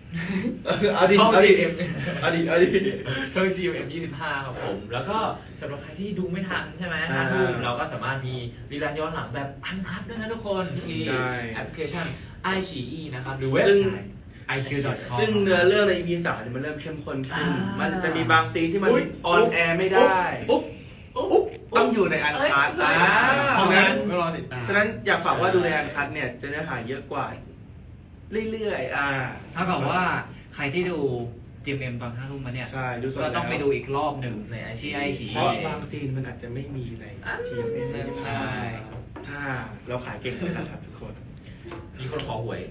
เอาดิช่อง GM เอาดิช่อง GM 25ครับผมแล้วก็สำหรับใครที่ดูไม่ทันใช่ไหม5 ทุ่มเราก็สามารถมีรีลันย้อนหลังแบบอันคัทด้วยนะทุกคนที่แอปพลิเคชัน iQIYI นะครับหรือเว็บไซต์ iq.com ซึ่งเนื้อเรื่องใน EP 3เนี่ยมันเริ่มเข้มข้นขึ้นมันจะมีบางซีนที่มันออนแอร์ไม่ได้ต้องอยู่ในอันคัทเพราะงั้นก็รอติดตามฉะนั้นอยากฝากว่าดูในอันคัทเนี่ยจะเนื้อหาเยอะกว่าเรื่อยๆถ้ากับว่าใครที่ดู GMM ตอน5 ทุ่มมาเนี่ยใช่ดูสดก็ต้องไปแล้วดูอีกรอบหนึ่งในที่iQIYI เพราะบางซีนมันอาจจะไม่มีในทีมใช่ถ้าเราขายเก่งนะครับทุกคนมีคนขอหวย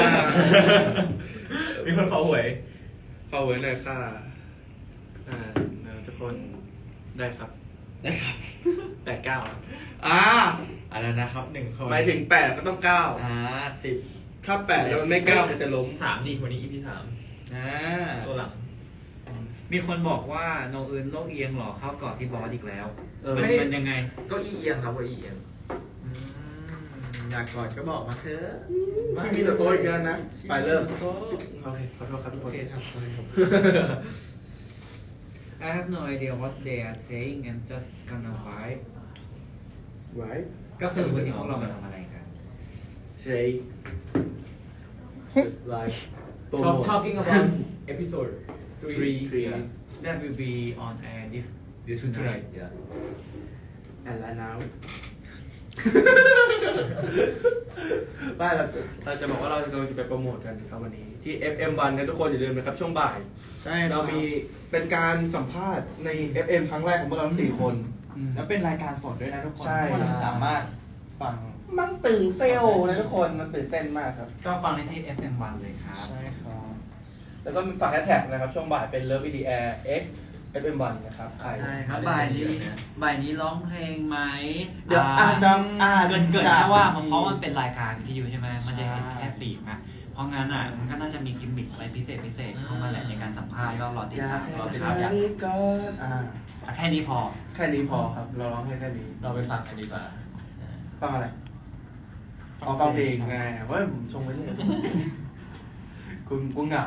มีคนขอหวยขอไว้หน่อยค่ะทุกคนได้ครับได้ครับ 89 อะไรนะครับ1 คนหมายถึง8ก็ต้อง9 10 ถ้า8แล้วมันไม่9มันจะล้ม 3 ดิวันนี้ EP 3ตัวหลังมีคนบอกว่าโนอื่นโลกเอียงหรอเข้ากอดที่บอสอีกแล้วไม่มันยังไงก็อีเอียงครับว่าอีเอียงอยากกอดก็บอกมาเถอะไม่มีแต่โต๊ะอีกแล้วนะ ไปเริ่มโอเคขอโทษครับทุกคโอน เคครับ I have no idea what they are saying and just gonna vibe ไว้ก็คือวันนี้พวกเรามาทำอะไรกันใช่ just like talking about episode 3 yeah That will be on air this tonight tonight yeah and right now ไม่เราจะบอกว่าเราจะไปโปรโมทกันครับวันนี้ที่ FM1 นะทุกคนอย่าลืมนะครับช่วงบ่ายใช่เรามีเป็นการสัมภาษณ์ใน FM ครั้งแรกของพวกเราทั้ง4 คนแล้วเป็นรายการสดด้วยนะทุกคนใช่ทุกคนสามารถฟังมันตื่นเต้นนะทุกคนมันตื่นเต้นมากครับก็ฟังได้ที่ FM1 เลยครับใช่ครับแล้วก็มีฝากแฮชแท็กนะครับช่วงบ่ายเป็น Love in the Air X FM1 นะครับใครใช่ครับบ่ายนี้ร้องเพลงไหมเดี๋ยวอาจจะเกินแค่ว่าเพราะมันเป็นรายการวิทยุใช่ไหมมันจะเห็นแค่เสียงอะเพราะงั้นอ่ะมันก็น่าจะมีกิมมิคอะไรพิเศษเข้ามาแหละในการสัมภาษณ์ก็รอติดตามรอติดตามแค่นี้ก่อนแค่นี้พอแค่นี้พอครับเราร้องแค่นี้เราไปฟังกันดีกว่าฟังอะไรฟังเพลงไงว่าผมชงไว้เลยกูเหงา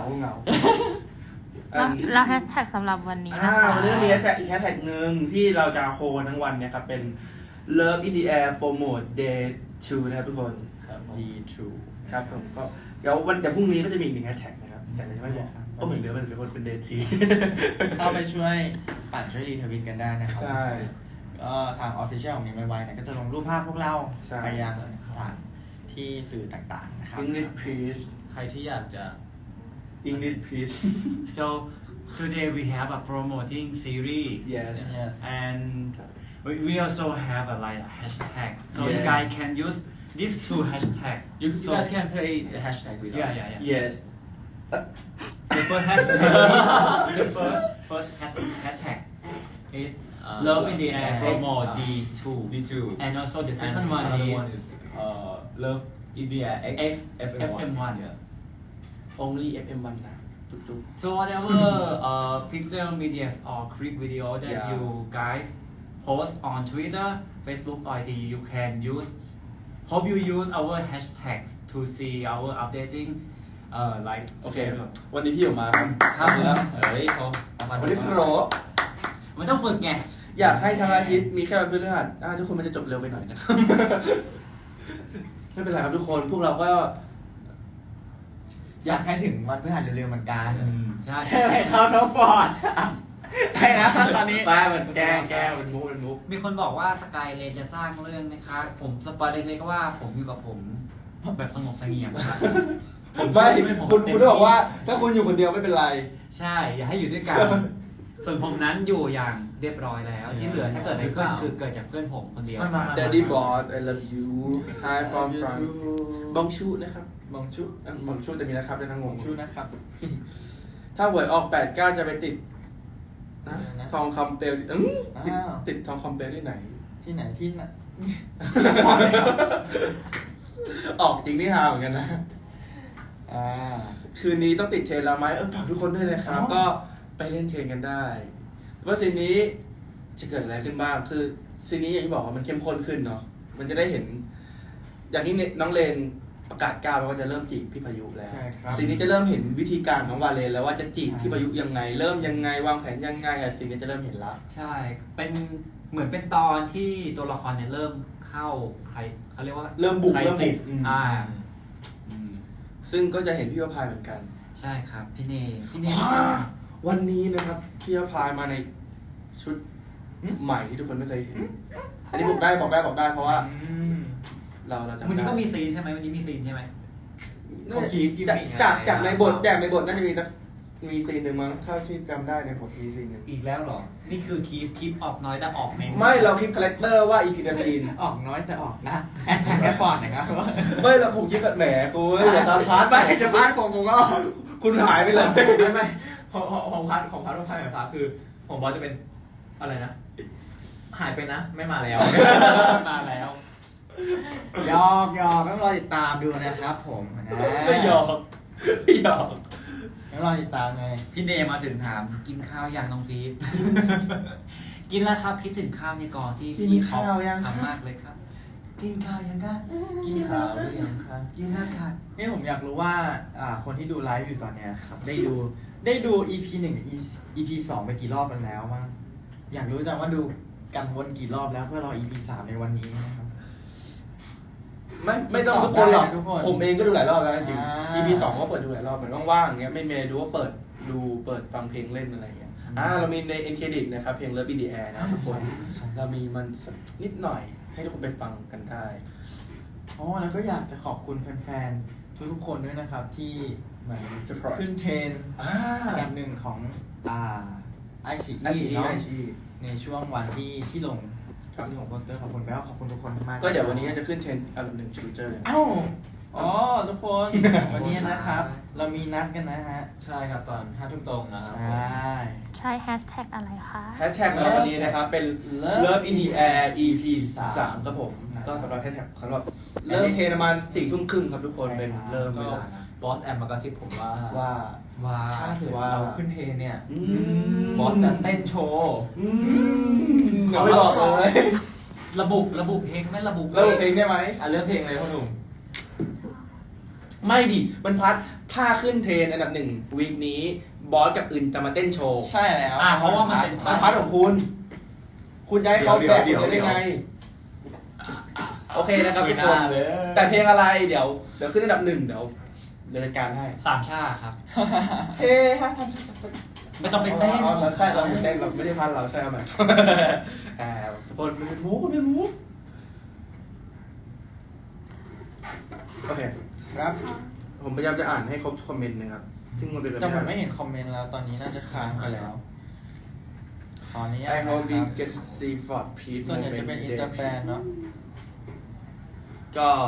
แล้วแฮชแท็กสำหรับวันนี้นะคะเรื่องนี้จะอีกแฮชแท็กหนึ่งที่เราจะโคทั้งวันเนี่ยครับเป็น Love in the Air Promote Day 2นะครับทุกคน D2 ครับผมก็เดี๋ยวพรุ่งนี้ก็จะมีอีก1แฮชแท็กนะครับแต่จะไม่บอกก็เหมือนเดิมเป็นคนเป็น Day เข้าไปช่วยปั่นช่วยรีทวิตกันได้นะครับใช่ก็ทาง Official ของนี้ไวๆเนี่ยก็จะลงรูปภาพพวกเราใช่ไปยังสถานที่สื่อต่างๆนะครับ English please ใครที่อยากจะ English please so today we have a promoting series yes and we also have a like hashtag so you Yeah. guys can use these 2 hashtag you guys can play the hashtag with us yeah yes the first hashtag the first hashtag is love in the air promo D2 D2 and also the and second one another one is is Love India X FM1 yeah only FM1 นะจุ๊บ so whatever picture media or clip video that Yeah. you guys post on Twitter Facebook or IG you can use hope you use our hashtags to see our updating like โอเควันนี้พี่ออกมาครับครับผมเฮ้ยเขาเอามาวันนี้โปรมันต้องฝึกไงอยากให้ทั้งอาทิตย์มีแค่วันพฤหัสทุกคนมันจะจบเร็วไปหน่อยนะครับ ไม่เป็นไรครับทุกคนพวกเราก็อยากให้ถึงวันพฤหัสเร็วๆเหมือนกันใช่ใช่ไหมครับน้องฟอร์ดใช่นะตอนนี้บ้ามันแกล้งเป็นมุกมีคนบอกว่าสกายเลนจะสร้างเรื่องนะคะผมสปอยเล็กๆก็ว่าผมอยู่กับผมแบบสงบเสงี่ยมนะครับไม่คุณบอกว่าถ้าคุณอยู่คนเดียวไม่เป็นไรใช่ อย่าให้อยู่ด้วยกัน ส่วนผมนั้นอยู่อย่างเรียบร้อยแล้ว ที่เหลือถ้าเกิดอะไรขึ้นคือเกิดจากเพื่อนผมคนเดียว Daddy Boss I love you Hi from France บองชูนะครับบองชุบองชูจะมีนะครับในทางงบอง งชุนะครับถ้าหวยออก89จะไปติดทองคำเปลวติดทองคำเปลวที่ไหนที่ไหนที่ไหนออกจริงนี่ฮาเหมือนกันนะคืนนี้ต้องติดเทรนแล้วไหมฝากทุกคนด้วยนะครับก็ไปเล่นเทรนกันได้ว่าซีนนี้จะเกิดอะไรขึ้นบ้างคือซีนนี้อย่างที่บอกว่ามันเข้มข้นขึ้นเนาะมันจะได้เห็น อย่างที่น้องเลนประกาศก้าวแล้วว่าจะเริ่มจีบพี่พายุแล้วใช่ครับซีนนี้จะเริ่มเห็นวิธีการของวาเลนแล้วว่าจะจีบพี่พายุยังไง เริ่มยังไงวางแผนยังไงซีนนี้จะเริ่มเห็นแล้วใช่ เป็นเหมือนเป็นตอนที่ตัวละครเนี่ยเริ่มเข้าใครเขาเรียกว่าเริ่มบุกไครเริ่มซิบุสก ซึ่งก็จะเห็นพี่วพายเหมือนกันใช่ครับ พี่เนพี่เนวันนี้นะครับพี่วพายมาในชุดใหม่ที่ทุกคนไม่เคยเห็น อันนี้บอกได้เพราะว่าเราจำได้วันนี้ก็มีซีนใช่ไหมวันนี้มีซีนใช่ไหมเขาคีปกิมมิคจากในบทน่าจะมีซีนหนึ่งมั้งถ้าที่จำได้ในบทมีซีนหนึ่งอีกแล้วเหรอ นี่คือคลิปออกน้อยแต่ออกเมนไม่เราคลิปคาแรคเตอร์ว่าอีพีนาทีนออกน้อยแต่ออกนะแอดแท็กแอปพอร์ตนะครับไม่เราผมคิดแบบแหมคุณอย่าตามพาร์ทไปไม่จะพาร์ทผมก็คุณหายไปเลยไม่ของพาร์ทของพาร์ทของพาร์ทแบบฟ้าคือของบอสจะเป็นอะไรนะ หายไปนะไม่มาแล้วมาแล้วหยอกต้องรอติดตามดูนะครับผมนะไม่หยอกต้องรอติดตามไงพี่เนมาถึงถามกินข้าวยังน้องพีท กินแล้วครับคิดถึงข้าวในกองที่พี่เขาทำมากเลยครับ กินข้าวยังคะกินข้าวหรือยังคะกินแล้วค่ะนี่ผมอยากรู้ว่าคนที่ดูไลฟ์อยู่ตอนเนี้ยครับได้ดู EP 1 EP 2ไปกี่รอบกันแล้วมั้งอยากรู้จังว่าดูกันวนกี่รอบแล้วเพื่อรอ EP 3ในวันนี้นะครับไม่ต้องทุกคนหรอกทุกคนผมเองก็ดูหลายรอบแล้วจริงอ่า EP 2ก็เปิดดูหลายรอบเหมือนว่างๆอย่างเงี้ยไม่มีอะไรดูก็เปิดฟังเพลงเล่นอะไรอย่างเงี้ยเรามีใน End Credit นะครับเพลง Love in the Air นะทุกคนเรามีมันสักนิดหน่อยให้ทุกคนไปฟังกันได้อ๋อแล้วก็อยากจะขอบคุณแฟนๆทุกๆคนด้วยนะครับที่เหมือน Surprise ขึ้นเทรนด์อันดับหนึ่งของไอชีเนาะในช่วงวันที่ลงโปสเตอร์ขอบคุณแล้วขอบคุณทุกคนมากๆก็เดี๋ยววันนี้จะขึ้นเทรนด์อันดับหนึ่งชูเจอร์เอ้าอ๋อทุกคน วันนี้นะครับ เรามีนัดกันนะฮะใช่ครับตอน5 ทุ่มตรงนะครับใช่ใช้แฮชแท็กอะไรคะแฮชแท็กเราวันนี้นะครับเป็น Love in the Air EP 3ครับผม ก็สำหรับแฮชแท็กสำหรับเริ่มเทรนประมาณ4 ทุ่มครึ่งครับทุกคนเป็นเริ่มเวก็ลานะบอสแอมมากระซิบผมว่าว่าถ้าเกิดว่าเราขึ้นเทรนเนี่ยอืมบอสจะเต้นโชว์เขาไม่บอกเลยระบุเพลงไหม่ระบุเริ่มเพลงได้ไหมเลือกเพลงเลยพ่อหนุ่มไม่ดิมันพัดถ้าขึ้นเทรนอันดับหนึ่งวีคนี้บอสกับอื่นจะมาเต้นโชว์ใช่แล้วเพราะว่ามันเป็นมันพัดของคุณ คุณจะให้เขาแบกคุณได้ไง โอเคนะครับทุกคนแต่เพลงอะไรเดี๋ยวขึ้นอันดับหนึ่งเดี๋ยวจัดการให้สามชาครับเฮ้ฮะไม่ต้องไปเต้นเราใช่เราเต้นเราไม่ได้พันเราใช่ไหมทุกคนเป็นมูเป็นมูโอเคครับผมพยายามจะอ่านให้ครบทุกคอมเมนต์นะครับซึ่งมันเป็นแบบแต่ผมไม่เห็นคอมเมนต์แล้วตอนนี้น่าจะค้างไปแล้ว ขออนุญาต I นะค hope we รับ get to see Ford Peach ส่วนใหญ่จะเป็นอินเตอร์แฟนเนาะก็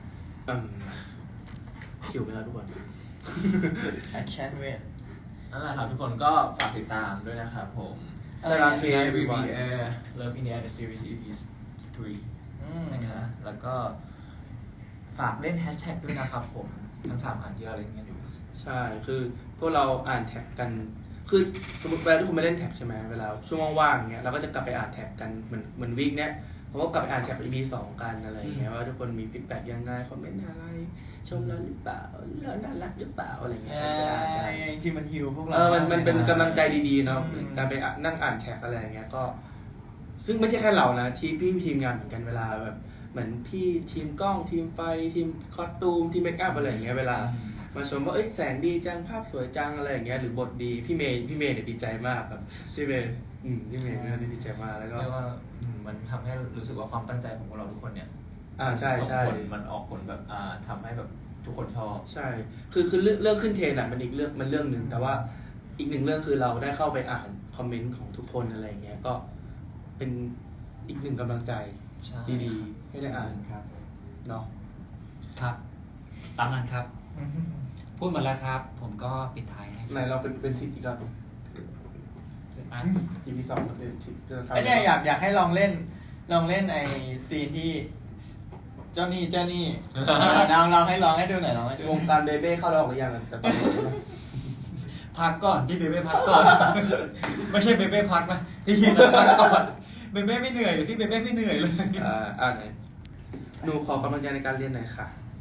หิวไปแล้วทุกคน I can't wait นั่นแหละครับทุกคนก็ฝากติดตามด้วยนะครับผมอะไร Sarah เนี่ย Trey everyone Air Love in the Air the series EP 3 นะครับแล้วก็ฝากเล่นแฮชแท็กด้วยนะครับผมทั้ง3อันที่เราเล่นกันอยู่ใช่ คือพวกเราอ่านแท็กกัน คือสมมติเวลาที่คุณไปเล่นแท็กใช่ไหมเวลาช่วงว่างๆเงี้ยเราก็จะกลับไปอ่านแท็กกันเหมือนวีคเนี้ยผมก็กลับไปอ่านแท็ก EP 2 กันอะไรอย่างเงี้ยว่าทุกคนมีฟีดแบ็กยังไงคอมเมนต์อะไรชมเราหรือเปล่าเราน่ารักหรือเปล่าอะไรเงี้ยใช่ก็จะอ่านกันจริงๆมันฮิวพวกเรามันเป็นกำลังใจดีๆเนาะอืมการไปนั่งอ่านแท็กอะไรอย่างเงี้ยก็ ซึ่งไม่ใช่แค่เรานะที่พี่ทีมงานเหมือนกันเวลาแบบเหมือนพี่ทีมกล้องทีมไฟทีมคอสตูมทีมเมคอัพอะไรอย่างเงี้ยเวลามาชมว่าเอ้ยแสงดีจังภาพสวยจังอะไรอย่างเงี้ยหรือบทดีพี่เมย์เนี่ยดีใจมากครับพี่เมย์พี่เมย์เนี่ยดีใจมากแล้วก็เรียกว่ามันทำให้รู้สึกว่าความตั้งใจของพวกเราทุกคนเนี่ยใช่ส่งใช่ผลมันออกผลแบบทำให้แบบทุกคนชอบใช่คือเรื่องขึ้นเทรนด์อะมันอีกเรื่องหนึ่งแต่ว่าอีกหนึ่งเรื่องคือเราได้เข้าไปอ่านคอมเมนต์ของทุกคนอะไรอย่างเงี้ยก็เป็นอีกหนึ่งกำลังใจใช่ดีๆให้ได้อ่านครับเนาะครับ ตามนั้นครับ พูดหมดแล้วครับ ผมก็ปิดท้ายให้ไหนเราเป็นทิปอีกรอบหนึ่งอ่ะ EP 2ก็เป็นทิปจะทำไอเนี่ยอยากให้ลองเล่นไอซีนที่เจ้านี่ลองให้ดูหน่อยลองให้ดูวงการเบเบ้เข้าแล้วหรือยังอะแต่ตอนนี้นะพักก่อนพี่เบเบ้พักก่อน ไม่ใช่เบเบ้พักนะพี่ยินพักก่อนเบเบ้ไม่เหนื่อยเลยพี่เบเบ้ไม่เหนื่อยเลยไหนหนูขอกำลังใจในการเรียนหน่อยค่ะ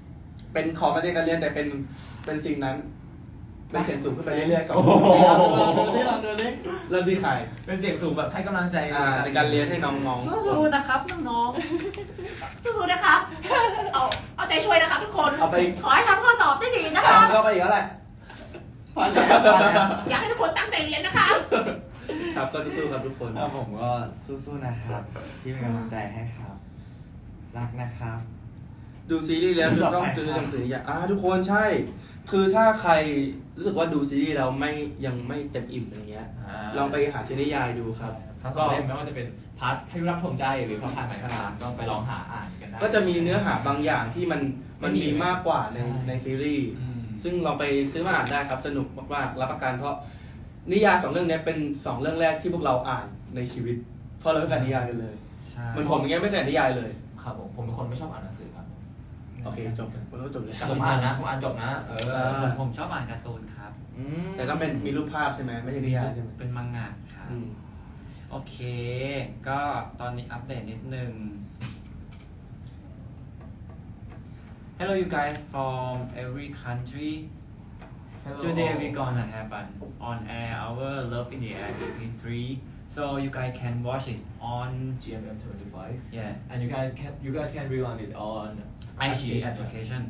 เป็นของมาในการเรียนแต่เป็นสิ่งนั้นเป็นเสียงสูงขึ้นไปเรื่อยๆสองที่เราดูนี่เริ่มที่ใครเป็นเสียงสูงแบบให้กำลังใจในการเรียนให้น้องสู้ๆนะครับน้องๆสู้ๆนะครับเอาใจช่วยนะครับทุกคนๆเอาไปขอให้ทำข้อสอบได้ดีนะครับทำก็ไปอีกแล้วแหละพอแล้วพอแล้วอยากให้ทุกคนตั้งใจเรียนนะครับครับก็สู้ๆครับทุกคนแล้วผมก็สู้ๆนะครับ ที่เป็นกำลังใจให้ครับ รักนะครับดูซีรีส์แล้วจะต้องซื้อหนังสืออย่างทุกคนใช่ คือถ้าใครรู้สึกว่าดูซีรีส์แล้วยังไม่เต็มอิ่มอะไรเงี้ย ลองไปหาซีรีส์นิยายดูครับทั้งสองเล่มไม่ว่าจะเป็นพาร์ทพายุรักผมใจหรือพระพายไหมพระรามก็ไปลองหาอ่านกันได้ก็จะมีเนื้อหาบางอย่างที่มันมีมากกว่าในซีรีส์ ซึ่งลองไปซื้อมาอ่านได้ครับ สนุกมากๆรับประกันเพราะนิยาย2 เรื่องนี้เป็น2 เรื่องแรกที่พวกเราอ่านในชีวิต เพราะเราไม่อ่านนิยายกันเลยใช่เหมือนผมอย่างเงี้ยไม่เคยอ่านนิยายเลยครับผมเป็นคนไม่ชอบอ่านหนังสือครับโอเคจบเลยผมก็จบเลยแต่ผมอ่านนะผมอ่านจบนะผมชอบอ่านการ์ตูนครับแต่ต้องเป็นมีรูปภาพใช่ไหมไม่ใช่นิยายใช่ไหมเป็นมังงะครับอืมโอเค ก็ตอนนี้อัปเดตนิดนึง Hello you guys from every country. Today we gonna have an on air our Love in the Air EP3. So you guys can watch it on GMM25 yeah and you guys can rerun it on iQIYI application.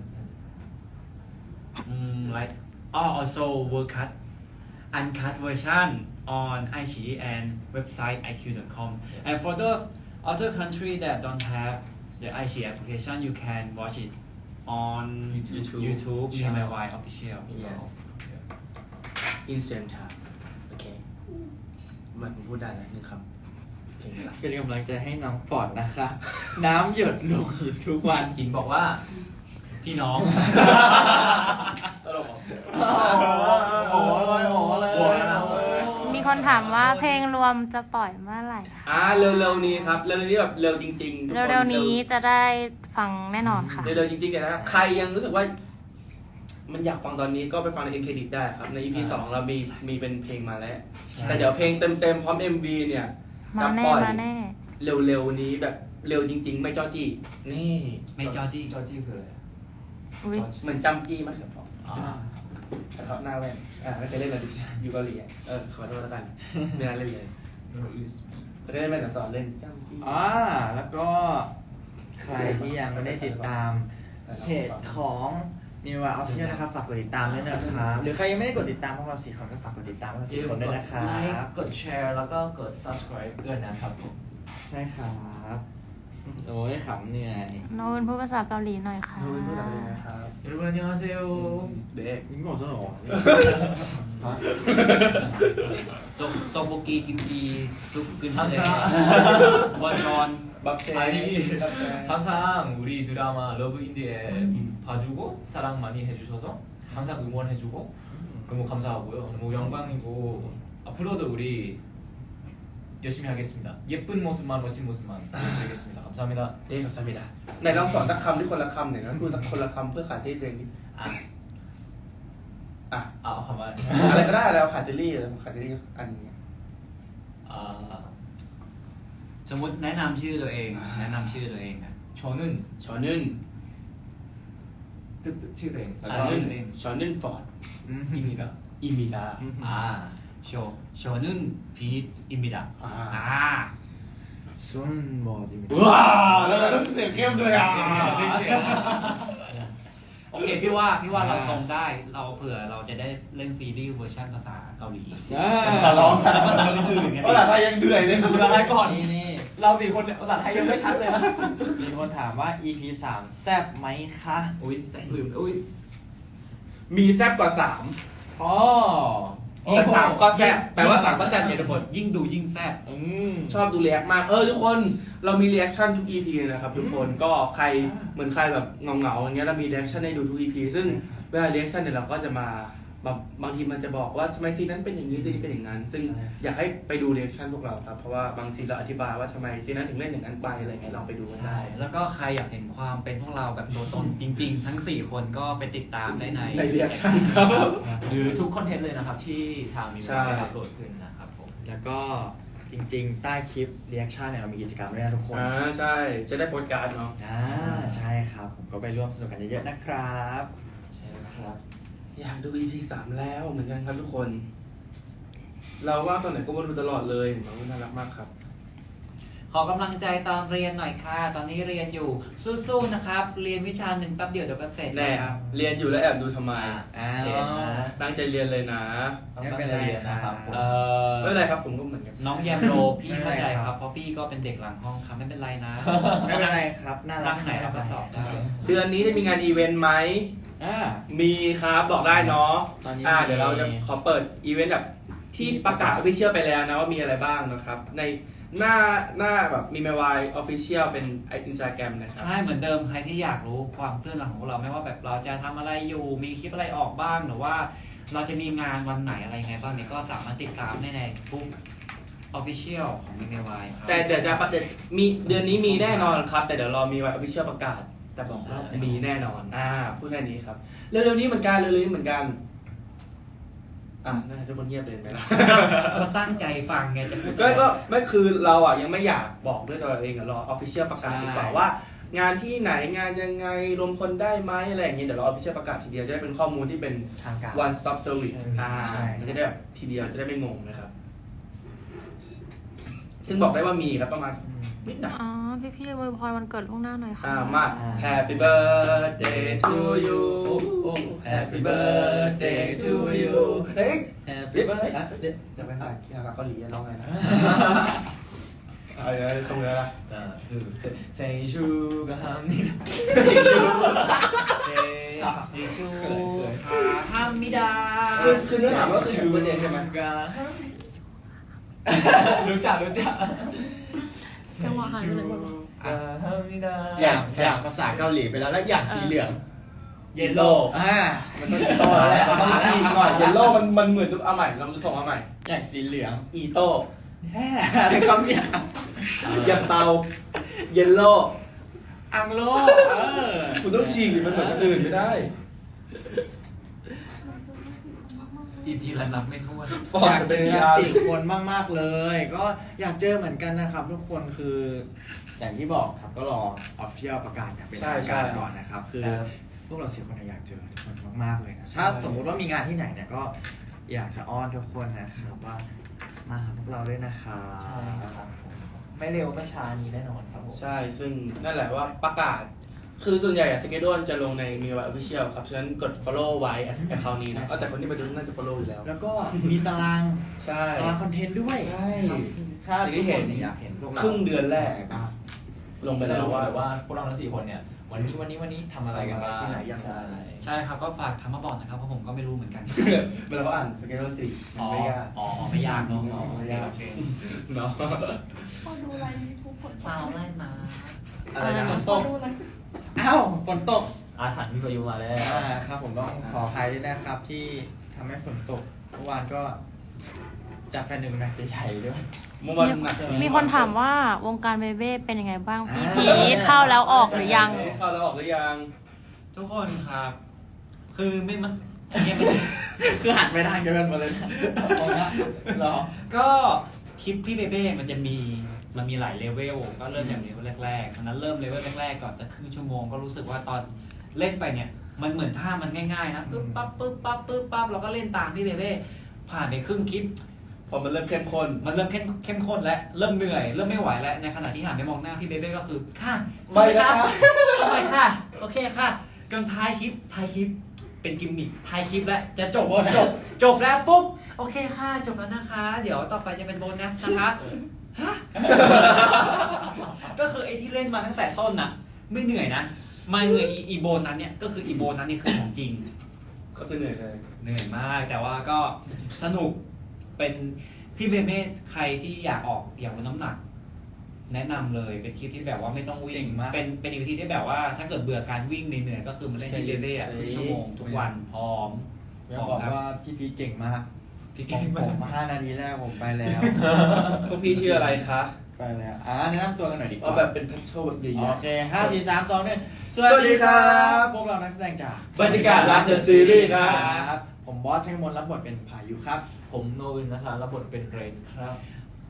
Like also world cut uncut version on iQIYI and website iq.com. And for those other country that don't have the iQIYI application, you can watch it on YouTube MMY official. Yeah. อินเซนทาโอเคมันผมพูดได้แล้วนึงครับเพลงอะไรเป็นกำลังใจให้น้องฟอร์ดนะคะ น้ำหยดลงหินทุกวันหินบอกว่าพี่น้องตลกเหรอโอ้เลยมีคนถามว่าเพลงรวมจะปล่อยเมื่อไหร่คะเร็วๆนี้ครับเร็วๆนี้แบบเร็วจริงๆทุกคนเร็วๆนี้จะได้ฟังแน่นอนค่ะเร็วๆจริงๆแต่ถ้าใครยังรู้สึกว่า มันอยากฟังตอนนี้ก็ไปฟังใน End Credit ได้ครับใน EP 2เรามีเป็นเพลงมาแล้ว แต่เดี๋ยวเพลงเต็มๆพร้อม MV เนี่ยมาจะแน่ปล่อยมาแน่เร็วๆนี้แบบเร็วจริง ๆ ไม่จ้อจี้นี่ไม่จอจี้จอจี้คืออะไรอุ๊ยเหมือนจำจี้มากครับแต่เขาหน้าแว่นไม่เคยเล่นเลยอยู่เกาหลีขอโทษแล้วกันไม่น่าเล่นเลยเขาได้เล่นแว่นแต่สอนเล่นจำจี้แล้วก็ใครที่ยังไม่ได้ติดตามเพจของนิวาออฟฟิเชียลนะครับฝากกดติดตามด้วยนะครับหรือใครยังไม่ได้กดติดตามพวกเรา4 คนก็ฝากกดติดตามพวกเรา4 คนด้วยนะครัไลบค์กดแชร์แล้วก็กด subscribe ด้วยนะครับผมใช่ครับโอ้ยขำเหนื่อยโน้นพูดภาษาเกาหลีหน่อยค่ะดูเป็นผู้ดังเลยนะครับ 여러분 안녕하세요. เด็กนี่บอกซะหรอตกโบกีกิมจีซุปกึน 항상 วันรอนบัฟเซ่ 아니 항상 우리 드라마 러브 인디에 봐주고 사랑 많이 해주셔서 항상 응원해주고 너무 감사하고요. 너무 영광이고 앞으로도 우리 열심히 하겠습니다. 예쁜 모습만 멋진 모습만 보여드리겠습니다. 감사합니다. เอ๊ะสัมมิดาไหนลองสอนสักคำที่คนละคำหน่อยนะพูดสักคนละคำเพื่อขายที่เพลงนี้ 가만. อะไรก็ได้แล้วขายที่รี่ขายที่รี่อันนี้สมมติแนะนำชื่อตัวเองแนะนำชื่อตัวเองนะ 저는 ชอนึนชื่อชอนึนฟอร์ด 입니다. อีมิดาโชนุนพีทอิมิดะส่วนบอดีว้าวแล้วต้องเสียงเข้มด้วยโอเคพี่ว่าเราทรงได้เราเผื่อเราจะได้เล่นซีรีส์เวอร์ชันภาษาเกาหลีขอร้องภาษาอื่นๆไงภาษาไทยยังเหนื่อยเลยภาษาไทยก่อนนี่เรา4 คนภาษาไทยยังไม่ชัดเลยนะมีคนถามว่า EP 3 แซ่บไหมคะอุ้ยแสงลืมอุ้ยมีแซ่บกว่า3 อ๋อแต่3ก็แซ่บแปลว่า3ก็แซ่บเนี่ยทุกคนยิ่งดูยิ่งแซ่บชอบดูเรีแอคมากทุกคนเรามีเรีแอคชั่นทุก EP เลยนะครับทุกคนก็ใครเหมือนใครแบบเงาๆอย่างเงี้ยเรามีเรีแอคชั่นให้ดูทุก EP ซึ่งเวลาเรีแอคชั่นเนี่ยเราก็จะมาบางทีมันจะบอกว่าทำไมซีนนั้นเป็นอย่างนี้ซีนนี้เป็นอย่างนั้น ซึ่งอยากให้ไปดูเรีแอคชั่นพวกเราครับเพราะว่าบางทีเราอธิบายว่าทำไมซีนนั้นถึงเล่นอย่างนั้นไปอะไรเงี้ยลองไปดูกันได้แล้วก็ใครอยากเห็นความเป็นพวกเราแบบตัวตนจริง ๆ ทั้ง 4 คนก็ไปติดตามได้ในใน reaction ครับหรือทุกคอนเทนต์เลยนะครับที่ทางมีใช่ได้อัปโหลดขึ้นนะครับผมแล้วก็จริงๆ ใต้คลิปรีแอคชั่นเนี่ยเรามีกิจกรรมด้วยนะทุกคนใช่ จะได้โปสการ์ดเนาะใช่ครับ ผมก็ไปร่วมสนุกกันเยอะๆนะครับใช่ครับอยากดู EP 3 แล้วเหมือนกันครับทุกคน เราว่าตอนไหนก็มาดูตลอดเลยน้องน่ารักมากครับขอกำลังใจตอนเรียนหน่อยค่ะ ตอนนี้เรียนอยู่สู้ๆนะครับ เรียนวิชาหนึ่งแป๊บเดียวเดี๋ยวก็เสร็จแน่ครับเรียนอยู่แล้วแอบดูทำไมเรียนนะตั้งใจเรียนเลยนะต้องตั้งใจเรียนนะครับผมไม่เป็นไรครับผมก็เหมือนกันน้องแยมโรพี่เข้าใจครับ เพราะพี่ก็เป็นเด็กหลังห้องครับไม่เป็นไรนะไม่เป็นไรครับ น่ารัตั้กงไหนเราก็สอบได้เดือนนี้จะมีงานอีเวนต์ไหมอ่ามีครับบอกได้เนาะตอนนี้เดี๋ยวเราจะขอเปิดอีเวนต์แบบที่ประกาศออฟฟิเชียลไปแล้วนะว่ามีอะไรบ้างนะครับ ในหน้าแบบมีเมวายออฟฟิเชียลเป็นอินสตาแกรมนะครับใช่เหมือนเดิมใครที่อยากรู้ความเคลื่อนไหวของเราไม่ว่าแบบเราจะทำอะไรอยู่มีคลิปอะไรออกบ้างหรือว่าเราจะมีงานวันไหนอะไรไงบ้างเนี่ยก็สามารถติดตามได้ในทุก Official ของ m ีเมวายครับแต่เดี๋ยวจะมีเดือนนี้มีแน่นอนครับ แต่เดี๋ยวรอมีไว้ออฟฟิเชียลประกาศ แต่บอกว่ามีแน่นอน พูดแค่นี้ครับ เร็วๆนี้เหมือนกันเร็วๆนี้เหมือนกันน่าจะทุกคนเงียบเลยไปแล้วเขาตั้งใจฟังไงจะพูดก็ไม่คือเรายังไม่อยากบอกด้วยตัวเองรอออฟฟิเชียลประกาศดีกว่าว่า งานที่ไหนงานยังไงรวมคนได้ไหมอะไรอย่างเงี้ยเดี๋ยวเราออฟฟิเชียลประกาศทีเดียวจะได้เป็นข้อมูลที่เป็นทางการ one stop service ใช่มันจะได้แบบทีเดียวจะได้ไม่งงนะครับ ซึ่งบอกได้ว่ามีครับประมาณนิดหน่อยอ๋อ พี่อวยพรวันเกิดล่วงหน้าหน่อยค่ะมา Happy birthday to you Happy birthday to you เฮ้ย Happy birthday จะไปถ่ายที่เกาหลีร้องไงนะเอาเลยส่งเลยละเซชูก็ทำนี่ชูขาฮามิดาคือเนื้อหาว่าคือ Happy birthday ใช่ไหมรู้จักจังหวะหายไปไหนหมดวะอย่างภาษาเกาหลีไปแล้วแล้วอย่างสีเหลืองเยลโล่มันต้องต่อแล้วมันต้องซีหน่อยเยลโล่มันเหมือนทุกเอาใหม่เราจะส่งเอาใหม่อย่างสีเหลืองอีโต้อะไรคำเนี่ยอย่างเตาเยลโล่อังโลคุณต้องฉีกมันเหมือนคนอื่นไม่ได้อีพีละนับไม่ถ้วนอยากเจอสี่คนมากๆเลย ก็อยากเจอเหมือนกันนะครับ ทุกคนคืออย่างที่บอกครับก็รอออฟฟิเชียลประกาศอย่างเป็นทางการก่อนนะครับ คือพวกเราสี่คนอยากเจอทุกคนมากๆเลยนะถ้าสมมุติว่ามีงานที่ไหนเนี่ยก็อยากจะอ้อนทุกคนนะครับว่ามาหาพวกเราด้วยนะครับไม่เร็วไม่ช้านี้แน่นอนครับผมใช่ ซึ่งนั่นแหละว่าประกาศ คือส่วนใหญ่สเกจดจะลงในมีไว้ official ครับ ฉะนั้นกด follow ไว้ account นี้นะแต่คนที่มาดูน่าจะ follow อยู่แล้วแล้วก็มีตารางใช่คอนเทนต์ด้วยใช่ถ้าอย่างที่ทุกเห็คน นอยากเห็นพวกเราครึ่งเดือนแรกอะไรบ้างลงไปจะแล้วรู้ว่าเลยว่าพวกเราทั้ง4คนเนี่ยวันนี้ทำอะไรกันบ้างที่ไหนยังไงใช่ใช่ครับก็ฝากทำมาบอกนะครับเพราะผมก็ไม่รู้เหมือนกันเวลาเขาอ่านสเกจดสิมันไม่ยากไม่ยากเนาะไม่ยากโอเคเนาะพอดูไลน์ยูทูบผลฟาวไล่มาอะไรนะฝนตก อ้าวฝนตกอาถรรพ์มีพายุมาแล้วครับผมต้องขออภัยด้วยนะครับที่ทำให้ฝนตกเมื่อวานก็จัดไป1 แมตช์ใหญ่ๆด้วยเมื่อวันหนักมีคนถามว่าวงการเบเบ้เป็นยังไงบ้าง พี่พีทเข้าแล้วออกหรือยังเข้าแล้วออกหรือยังทุกคนครับ คือไม่มันเนี่ยไม่ใช่คือหันไปทางเดียวกันหมดเลยนะเหรอก็คลิปพี่เบเบ้มันจะมีหลายเลเวลก็เริ่มอย่างเลเวลแรกๆตอนนั้นเริ่มเลเวลแรกๆก่อนสักครึ่งชั่วโมงก็รู้สึกว่าตอนเล่นไปเนี่ยมันเหมือนท่ามันง่ายๆนะปึ๊บปั๊บปึ๊บปั๊บปึ๊บปั๊บเราก็เล่นตามพี่เบเบ้ผ่านไปครึ่งคลิปพอมันเริ่มเข้มข้นมันเริ่มเข้มข้นแล้วเริ่มเหนื่อยเริ่มไม่ไหวแล้วในขณะที่หันไปมองหน้าพี่เบเบ้ก็คือค่ะไม่ค่ะไปค่ะโอเคค่ะจนท้ายคลิปเป็นกิมมิคท้ายคลิปแล้วจะจบแล้วปุ๊บโอเคค่ะจบแล้วนะคะ เดี๋ยวต่อไปจะเป็นโบนัสนะคะฮะ ก็คือไอ้ที่เล่นมาตั้งแต่ต้นน่ะ ไม่เหนื่อยนะมาเหนื่อยอีโบนัสเนี่ยก็คืออีโบนัสนี่คือของจริงก็คือเหนื่อยเลยเหนื่อยมากแต่ว่าก็สนุกเป็นพี่เบเบ้ใครที่อยากออกอยากลดน้ำหนัก แนะนำเลยเป็นคลิปที่แบบว่าไม่ต้องวิ่เจ๋งงมากเป็นอีกวิธีที่แบบว่าถ้าเกิดเบื่อการวิ่งเหนื่อยๆก็คือมาเล่นที่เบเบ้อะครึ่งชั่วโมงทุกวันพร้อมอยากบอกว่าพี่พีเก่งมากพี่ผเก่งมมาก 5 นาทีแรกผมไปแล้วพวกพี่ชื่ออะไรคะไปแล้วแนะนำตัวกันหน่อยดีกเอาว่าแบบเป็นพัชโชแบบใหญ่โอเค5 4 3 2 1 สวัสดีครับพวกเรานักแสดงจากบรรยากาศรัก The Series ครับผมบอสชัยมนรับบทเป็นพายุครับผมโนวินนะคะรับบทเป็นเรนครับ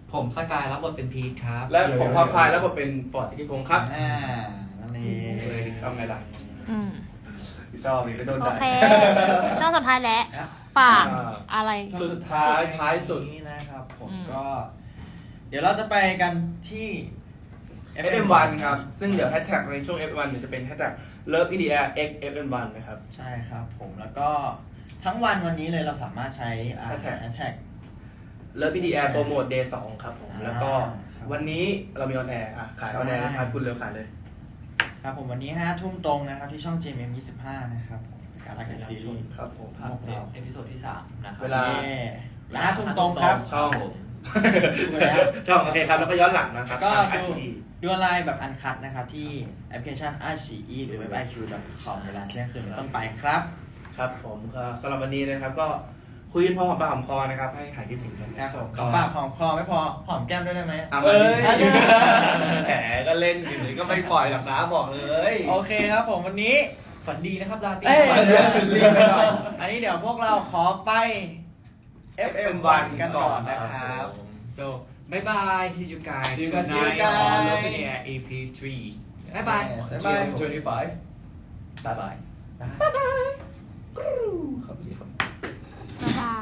ผมสกายรับบทเป็นพีทครับและผมพาพายแล้วผมเป็นฟอร์ดธิติพงศ์ครับนั่นเองเลยทำไงล่ะอืมชอบมีก็โดนโอด่าเคช่วงสุดท้ายแล้วฝากอะไรสุดท้ายสุดนี้นะครับผมอืมก็ เดี๋ยวเราจะไปกันที่ FM1 ครับ ซึ่งเดี๋ยวแฮชแท็กในช่วง FM1 เดี๋ยวจะเป็นแฮชแท็ก Love in the Air X FM1 นะครับใช่ครับผมแล้วก็ทั้งวันนี้เลยเราสามารถใช้แฮช Hashtag แท็ก Love in the Air โปรโมท Day 2 ครับผม แล้วก็ครับวันนี้เรามีออนแอร์ขายออนแอร์นะครับคุณเร็วขายเลยครับผมวันนี้5 ทุ่มตรงนะครับที่ช่อง JMM 25นะครับผมการรักกันซีรีส์ครับผมภาคเอพิโซดที่ 3 นะครับเวลาและ5 ทุ่มตรงครับช่องผมดูแล้วช่องโอเคครับ แล้วก็ย้อนหลังนะครับก็ทางดู ICE ดูออนไลน์แบบอันคัดนะครับที่แอปพลิเคชัน iQIYI หรือเว็บ iq.com เวลาเที่ยงคืนเป็นต้นไปครับครับผมก็สำหรับวันนี้นะครับก็คุยกันพอหอมปากหอมคอนะครับ ให้หายคิดถึงกันครับผมปากหอมคอไม่พอหอมแก้มด้วยได้ไหมอ่ะมาดิแหมก็เล่นอยู่นี่ก็ไม่ปล่อยหรอกนะบอกเลยโอเคครับผมวันนี้ฝันดีนะครับลาตีเอ้ยเดี๋ยวรีบไปหน่อยอันนี้เดี๋ยวพวกเราขอไป FM1 กันก่อนนะครับ so bye bye see you guys See you guys. tonight See you guys. on Love in the Air EP3 bye bye Bye bye. 25 bye bye ครับ